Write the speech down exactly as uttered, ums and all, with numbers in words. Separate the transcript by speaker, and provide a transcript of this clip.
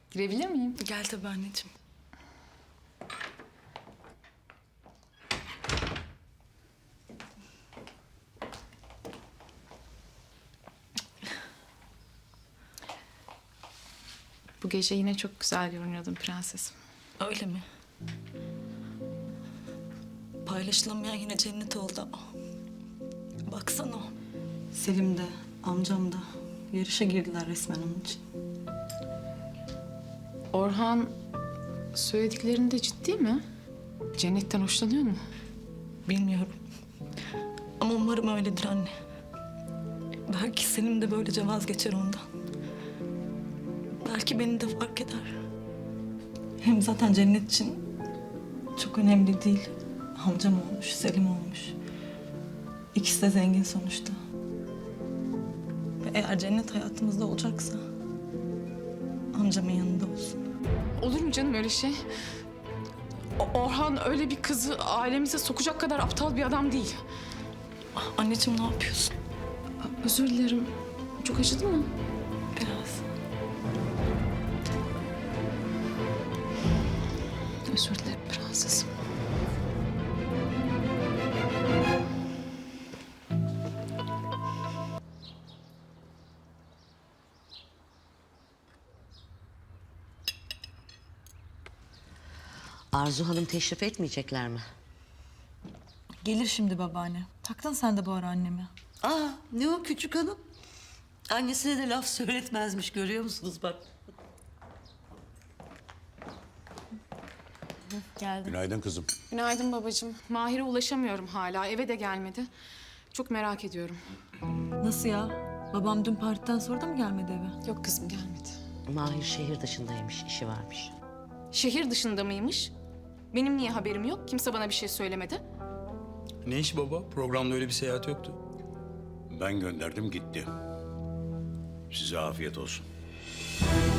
Speaker 1: Girebilir miyim?
Speaker 2: Gel tabii anneciğim.
Speaker 1: Bu gece yine çok güzel görünüyordun prensesim.
Speaker 2: Öyle mi? Paylaşılamayan yine cennet oldu ama. Baksana. Selim de, amcam da yarışa girdiler resmen onun için.
Speaker 1: Orhan söylediklerinde ciddi mi? Cennetten hoşlanıyor mu?
Speaker 2: Bilmiyorum. Ama umarım öyledir anne. Belki Selim de böylece vazgeçer ondan. Belki beni de fark eder. Hem zaten cennet için çok önemli değil. Amcam olmuş, Selim olmuş. İkisi de zengin sonuçta. Ve eğer cennet hayatımızda olacaksa amcamın yanında olsun.
Speaker 1: Olur mu canım öyle şey? O- Orhan öyle bir kızı ailemize sokacak kadar aptal bir adam değil.
Speaker 2: Ah, anneciğim ne yapıyorsun?
Speaker 1: Özür dilerim. Çok acıdı mı?
Speaker 2: Biraz.
Speaker 1: Özür dilerim prensesim.
Speaker 3: Arzu Hanım teşrif etmeyecekler mi?
Speaker 2: Gelir şimdi babaanne. Taktın sen de bu ara annemi.
Speaker 3: Aa, ne o küçük hanım? Annesine de laf söyletmezmiş, görüyor musunuz bak.
Speaker 2: Geldim.
Speaker 4: Günaydın kızım.
Speaker 1: Günaydın babacığım. Mahir'e ulaşamıyorum hala. Eve de gelmedi. Çok merak ediyorum.
Speaker 2: Nasıl ya? Babam dün partiden sonra da mı gelmedi eve?
Speaker 1: Yok kızım gelmedi.
Speaker 3: Mahir şehir dışındaymış, işi varmış.
Speaker 1: Şehir dışında mıymış? Benim niye haberim yok? Kimse bana bir şey söylemedi.
Speaker 5: Ne iş baba? Programda öyle bir seyahat yoktu.
Speaker 4: Ben gönderdim gitti. Size afiyet olsun.